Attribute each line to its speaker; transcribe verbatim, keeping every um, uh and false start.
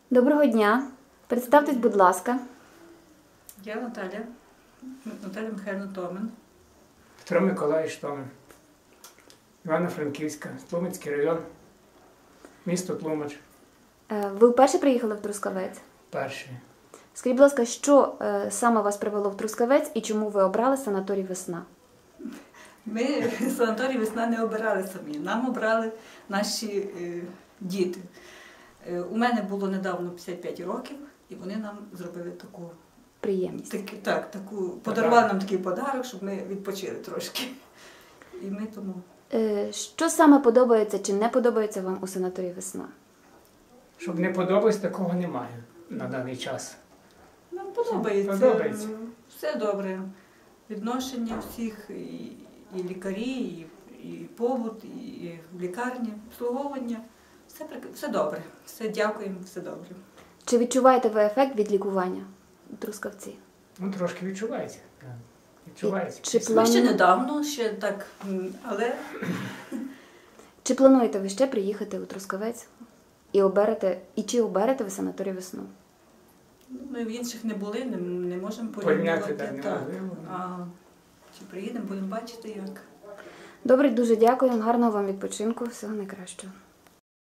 Speaker 1: Доброго дня. Представтесь, будь ласка.
Speaker 2: Я Наталя, Наталя Михайлівна Томин.
Speaker 3: Петро Миколаївич Томин. Івано-Франківська, Тлумацький район, місто Тлумач.
Speaker 1: Е, Ви вперше приїхали в Трускавець?
Speaker 3: Перший.
Speaker 1: Скажіть, будь ласка, що е, саме вас привело в Трускавець і чому ви обрали санаторій «Весна»?
Speaker 2: Ми санаторій «Весна» не обирали самі, нам обрали наші е, діти. Е, у мене було недавно п'ятдесят п'ять років, і вони нам зробили таку,
Speaker 1: Приємність.
Speaker 2: так, так, таку подарували нам такий подарок, щоб ми відпочили трошки. І ми тому...
Speaker 1: Е, Що саме подобається чи не подобається вам у санаторії «Весна»?
Speaker 3: Щоб не подобалось, такого немає на даний час.
Speaker 2: Нам подобається.
Speaker 3: Подобається.
Speaker 2: Все добре. Відношення всіх, і, і лікарі, і, і побут, і в лікарні, обслуговування. Все, прик- все добре. Все дякуємо, все добре.
Speaker 1: Чи відчуваєте ви ефект від лікування у Трускавці?
Speaker 3: Ну, трошки відчувається. так. Відчувається.
Speaker 1: Чи
Speaker 2: Ми
Speaker 1: плану-
Speaker 2: ще недавно, ще так, м, але
Speaker 1: Чи плануєте ви ще приїхати у Трускавець і оберете, і чи оберете ви санаторій «Весну»?
Speaker 2: ну, ми в інших не були, не, не можемо
Speaker 3: Порівняти,
Speaker 2: порівнювати.
Speaker 3: так, неможливо.
Speaker 2: А чи приїдемо, будемо бачити як.
Speaker 1: Добре, дуже дякую. Гарного вам відпочинку. Всього найкращого.